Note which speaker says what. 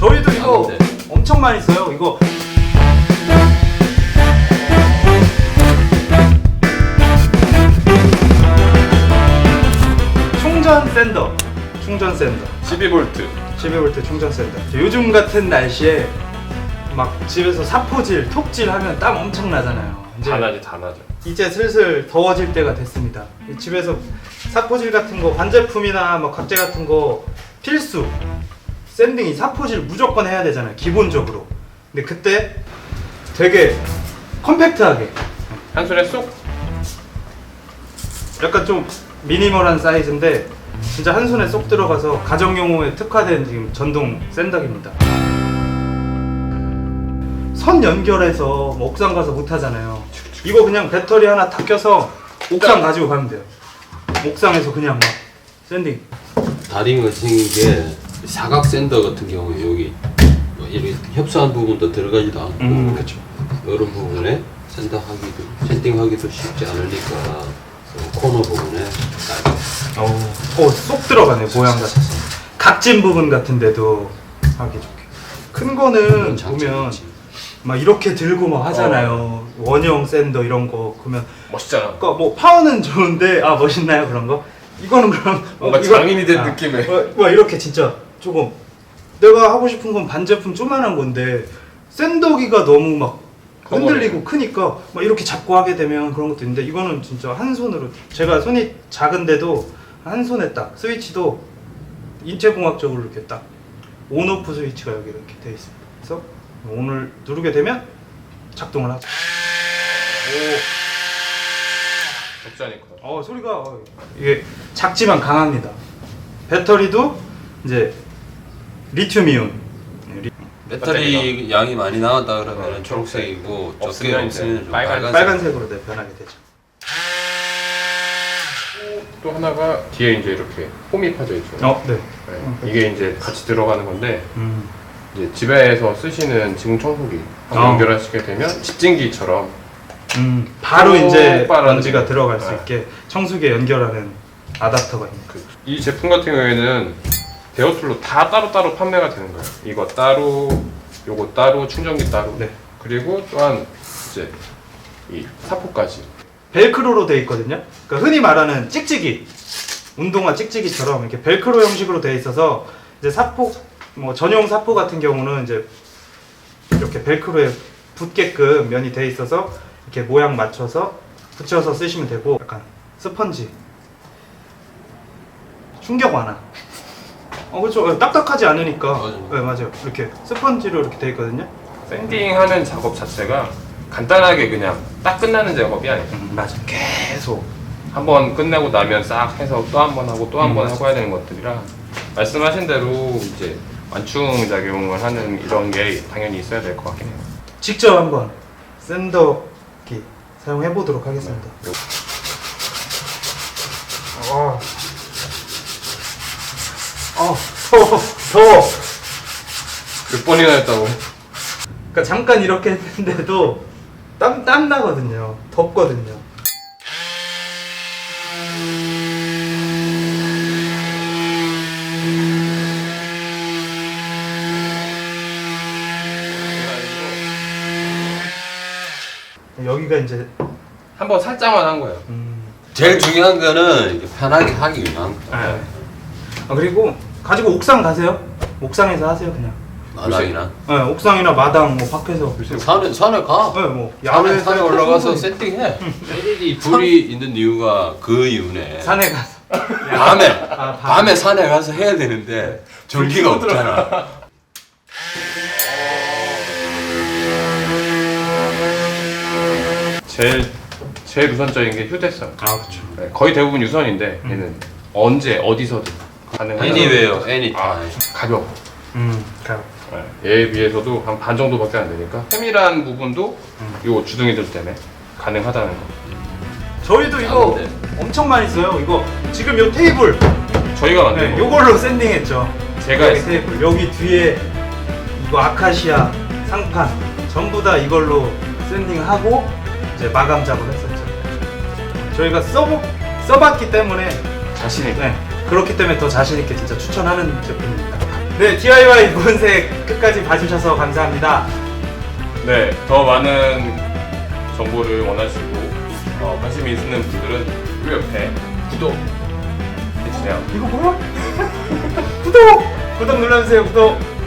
Speaker 1: 저희도 이거 엄청 많이 써요. 이거 충전 샌더
Speaker 2: 12V
Speaker 1: 12V 충전 샌더. 요즘 같은 날씨에 막 집에서 사포질, 톡질 하면 땀 엄청 나잖아요.
Speaker 2: 다 나죠.
Speaker 1: 이제 슬슬 더워질 때가 됐습니다. 집에서 사포질 같은 거, 반제품이나 뭐 각재 같은 거 필수. 샌딩이 사포질 무조건 해야 되잖아요, 기본적으로. 근데 그때 되게 컴팩트하게,
Speaker 2: 한 손에 쏙.
Speaker 1: 약간 좀 미니멀한 사이즈인데 진짜 한 손에 쏙 들어가서 가정용호에 특화된 지금 전동 샌더기입니다. 선 연결해서 뭐 옥상 가서 못 하잖아요. 이거 그냥 배터리 하나 다 껴서 옥상 가지고 가면 돼요. 옥상에서 그냥 막 샌딩.
Speaker 3: 다리가 생긴 게 사각 샌더 같은 경우에 여기 뭐 이렇게 협소한 부분도 들어가지도 않고
Speaker 1: 그렇죠.
Speaker 3: 이런 부분에 샌딩하기도 쉽지 않으니까 코너 부분에
Speaker 1: 쏙 들어가네, 모양 같아서. 각진 부분 같은데도 하기 좋게. 큰 거는 보면 막 이렇게 들고 막 하잖아요. 원형 샌더 이런 거. 그러면
Speaker 2: 멋있잖아.
Speaker 1: 그러니까 뭐 파워는 좋은데 멋있나요, 그런 거? 이거는 그럼
Speaker 2: 뭔가 장인이 된 느낌의.
Speaker 1: 이렇게 진짜 조금 내가 하고 싶은 건 반제품 조그만한 건데 샌더기가 너무 막 흔들리고 크니까 막 이렇게 잡고 하게 되면 그런 것도 있는데, 이거는 진짜 한 손으로, 제가 손이 작은데도 한 손에 딱 스위치도 인체공학적으로 이렇게 딱 온오프 스위치가 여기 이렇게 돼 있습니다. 그래서 오늘 누르게 되면 작동을 하죠.
Speaker 2: 적잖니까.
Speaker 1: 소리가 이게 작지만 강합니다. 배터리도 이제 리튬이온.
Speaker 3: 배터리 양이 많이 나왔다 그러면 초록색이고 적게 없으면 좀
Speaker 1: 빨간색으로 변하게 되죠.
Speaker 2: 또 하나가 뒤에 이제 이렇게 홈이 파져 있죠.
Speaker 1: 네.
Speaker 2: 이게 이제 같이 들어가는 건데 이제 집에서 쓰시는 지금 청소기 연결하시게 되면 집진기처럼
Speaker 1: 바로 이제
Speaker 2: 빨아들이는.
Speaker 1: 먼지가 들어갈 수 있게 청소기에 연결하는 아답터가 있는 거예요.
Speaker 2: 이 제품 같은 경우에는 대여툴로 다 따로따로 판매가 되는 거예요. 이거 따로, 요거 따로, 충전기 따로.
Speaker 1: 네.
Speaker 2: 그리고 또한 이제 이 사포까지.
Speaker 1: 벨크로로 돼 있거든요. 그러니까 흔히 말하는 찍찍이, 운동화 찍찍이처럼 이렇게 벨크로 형식으로 돼 있어서 이제 사포, 뭐 전용 사포 같은 경우는 이제 이렇게 벨크로에 붙게끔 면이 돼 있어서 이렇게 모양 맞춰서 붙여서 쓰시면 되고, 약간 스펀지, 충격 완화. 그렇죠. 딱딱하지 않으니까.
Speaker 3: 맞아요.
Speaker 1: 네, 맞아요. 이렇게 스펀지로 이렇게 돼 있거든요.
Speaker 2: 샌딩하는 작업 자체가 간단하게 그냥 딱 끝나는 작업이 아니에요.
Speaker 1: 맞아. 계속.
Speaker 2: 한번 끝내고 나면 싹 해서 또 한 번 하고 또 한 번 하고 해야 되는 것들이라, 말씀하신 대로 이제 완충 작용을 하는 이런 게 당연히 있어야 될 것 같긴 해요.
Speaker 1: 직접 한번 샌더기 사용해 보도록 하겠습니다. 더워.
Speaker 2: 몇 번이나 했다고.
Speaker 1: 그러니까 잠깐 이렇게 했는데도 땀 나거든요. 덥거든요. 여기가 이제
Speaker 2: 한번 살짝만 한 거예요.
Speaker 3: 제일 중요한 거는 이렇게 편하게 하기 위한 거.
Speaker 1: 그리고 가지고 옥상 가세요. 옥상에서 하세요, 그냥.
Speaker 3: 마당이나
Speaker 1: 네, 옥상이나 마당, 뭐 밖에서.
Speaker 3: 산에 가.
Speaker 1: 네, 뭐
Speaker 3: 산에 올라가서 세팅해. LED 불이 있는 이유가 그 이유네.
Speaker 1: 산에 가서.
Speaker 3: 밤에 산에 가서 해야 되는데 전기가 없잖아.
Speaker 2: 제일 우선적인 게 휴대성.
Speaker 1: 그렇죠.
Speaker 2: 네, 거의 대부분 유선인데 얘는 언제 어디서든 가능해요.
Speaker 3: Anywhere, anytime.
Speaker 2: 가벼워.
Speaker 1: 가요.
Speaker 2: 네, 얘에 비해서도 한 반 정도밖에 안 되니까 세밀한 부분도 요 주둥이들 때문에 가능하다는 거.
Speaker 1: 저희도 이거 엄청 많이 써요. 이거 지금 요 테이블,
Speaker 2: 저희가 만든 거.
Speaker 1: 요걸로 샌딩했죠.
Speaker 2: 제가
Speaker 1: 여기
Speaker 2: 했어요.
Speaker 1: 테이블, 여기 뒤에 이거 아카시아 상판 전부 다 이걸로 샌딩하고 이제 마감 작업했었죠. 저희가 써봤기 때문에
Speaker 2: 자신 있게.
Speaker 1: 그렇기 때문에 더 자신 있게 진짜 추천하는 제품입니다. 네, DIY 무은색 끝까지 봐주셔서 감사합니다.
Speaker 2: 네, 더 많은 정보를 원하시고 관심이 있는 분들은 그 옆에 구독 해주세요.
Speaker 1: 이거 뭐야? 구독 눌러주세요. 구독.